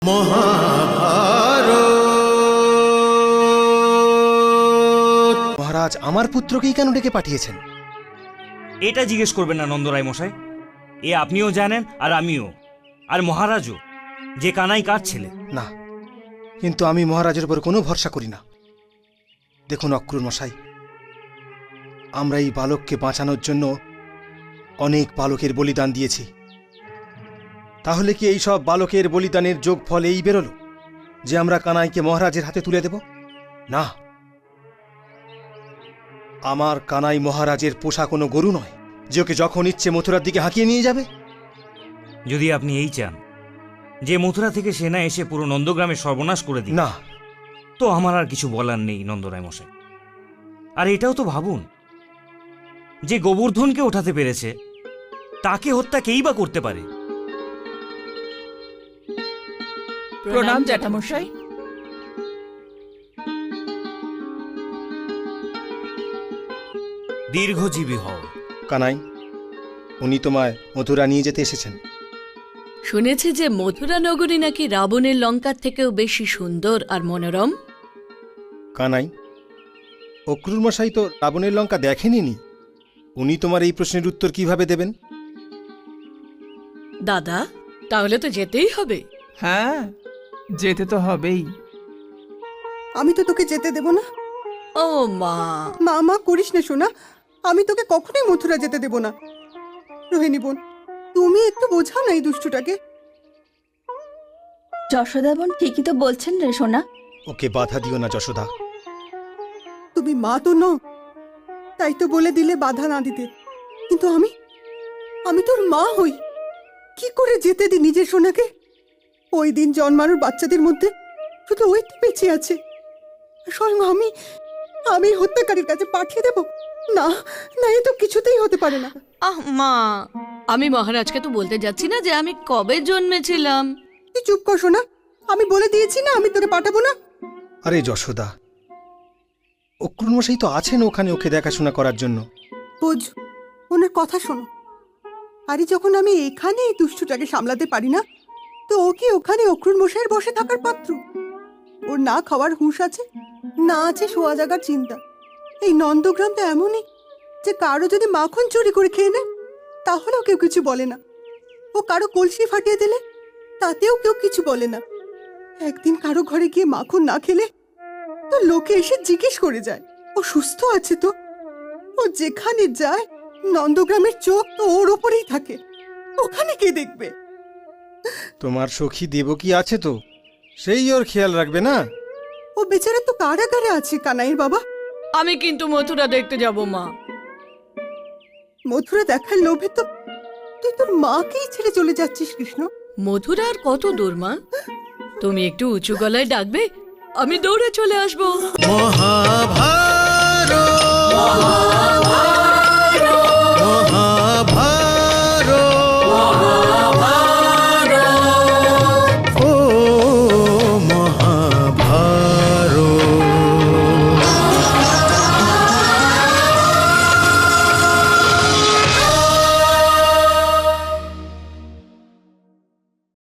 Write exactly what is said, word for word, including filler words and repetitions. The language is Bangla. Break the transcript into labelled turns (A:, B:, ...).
A: মহারাজ আমার পুত্রকেই কেন ডেকে পাঠিয়েছেন?
B: এটা জিজ্ঞেস করবেন না নন্দরায় মশাই, এ আপনিও জানেন আর আমিও, আর মহারাজও, যে কানাই কার ছেলে।
A: না, কিন্তু আমি মহারাজের উপর কোনো ভরসা করি না। দেখুন অক্রুর মশাই, আমরা এই বালককে বাঁচানোর জন্য অনেক বালকের বলিদান দিয়েছি। তাহলে কি এই সব বালকের বলিদানের যোগফল এই বেরোলো যে আমরা কানাইকে মহারাজের হাতে তুলে দেব? না, আমার কানাই মহারাজের পোষা কোনো গরু নয় যে ওকে যখন ইচ্ছে মথুরার দিকে হাঁকিয়ে নিয়ে যাবে।
B: যদি আপনি এই চান যে মথুরা থেকে সেনা এসে পুরো নন্দগ্রামের সর্বনাশ করে দিন,
A: না,
B: তো আমার আর কিছু বলার নেই নন্দরায় মশাই। আর এটাও তো ভাবুন যে গোবর্ধনকে ওঠাতে পেরেছে, তাকে হত্যা কেই বা করতে পারে?
C: প্রণাম জ্যাঠামশাই।
B: দীর্ঘজীবী হও।
A: কানাই, উনি তোমায় মথুরা নিয়ে যেতে এসেছেন।
C: শুনেছি যে মথুরা নগরী নাকি রাবণের লঙ্কার থেকেও বেশি সুন্দর আর মনোরম।
A: কানাই, অক্রুর মশাই তো রাবণের লঙ্কা দেখেনি, উনি তোমার এই প্রশ্নের উত্তর কিভাবে দেবেন?
C: দাদা, তাহলে তো যেতেই হবে।
D: হ্যাঁ, যেতে তো হবেই।
E: আমি তো তোকে যেতে দেব না।
C: ও মা,
E: মা মা করিস না সোনা, আমি তোকে কখনোই মথুরা যেতে দেব না। রোহিণী বোন, তুমি একটু বোঝাও না এই দুষ্টুটাকে।
F: যশোদা বোন ঠিকই তো বলছেন রে সোনা।
A: ওকে বাধা দিও না যশোদা।
E: তুমি মা তো নও, তাই তো বলে দিলে বাধা না দিতে। কিন্তু আমি আমি তোর মা হই, কি করে যেতে দি নিজের সোনাকে? ওই দিন জন্মানোর বাচ্চাদের মধ্যে শুধু ওই তো বেঁচে আছে। স্বয়ং আমি আমি হত্যাকারীর কাছে পাঠিয়ে দেব? না না, এ তো কিছুতেই হতে পারে না।
C: আহ মা, আমি মহারাজকে তো বলতে যাচ্ছি না যে আমি কবে জন্মেছিলাম।
E: তুই চুপ কর সোনা, আমি বলে দিয়েছি না আমি তোকে পাঠাবো না।
A: আরে যশোদা, অক্রুর মশাই তো আছেন ওখানে ওকে দেখাশোনা করার জন্য।
E: বোঝ, ওনার কথা শোনো। আরে যখন আমি এখানে এই দুষ্টুটাকে সামলাতে পারি না, তো ও কি ওখানে অক্রুর মশাইয়ের বসে থাকার পাত্র? ওর না খাওয়ার হুঁশ আছে, না আছে শোয়া জাগার চিন্তা। এই নন্দগ্রামটা এমনই যে কারো যদি মাখন চুরি করে খেয়ে নেয় তাহলেও কেউ কিছু বলে না। ও কারো কলসি ফাটিয়ে দিলে তাতেও কেউ কিছু বলে না। একদিন কারো ঘরে গিয়ে মাখন না খেলে তো লোকে এসে জিজ্ঞেস করে যায় ও সুস্থ আছে তো। ও যেখানে যায় নন্দগ্রামের চোখ তো ওর ওপরেই থাকে, ওখানে কে দেখবে?
A: তোমার সখী দেবকী আছে তো, সেই ওর খেয়াল রাখবে না?
E: ও বেচারা তো কারাগারে আছে কানাইয়ের বাবা।
C: আমি কিন্তু মথুরা দেখতে যাব মা।
E: মথুরা দেখার লোভে তো তুই তোর মাকেই ছেড়ে চলে যাচ্ছিস কৃষ্ণ।
C: মথুরা আর কত দূর মা? তুমি একটু উঁচু গলায় ডাকবে, আমি দৌড়ে চলে আসবো।
G: মহাভারত।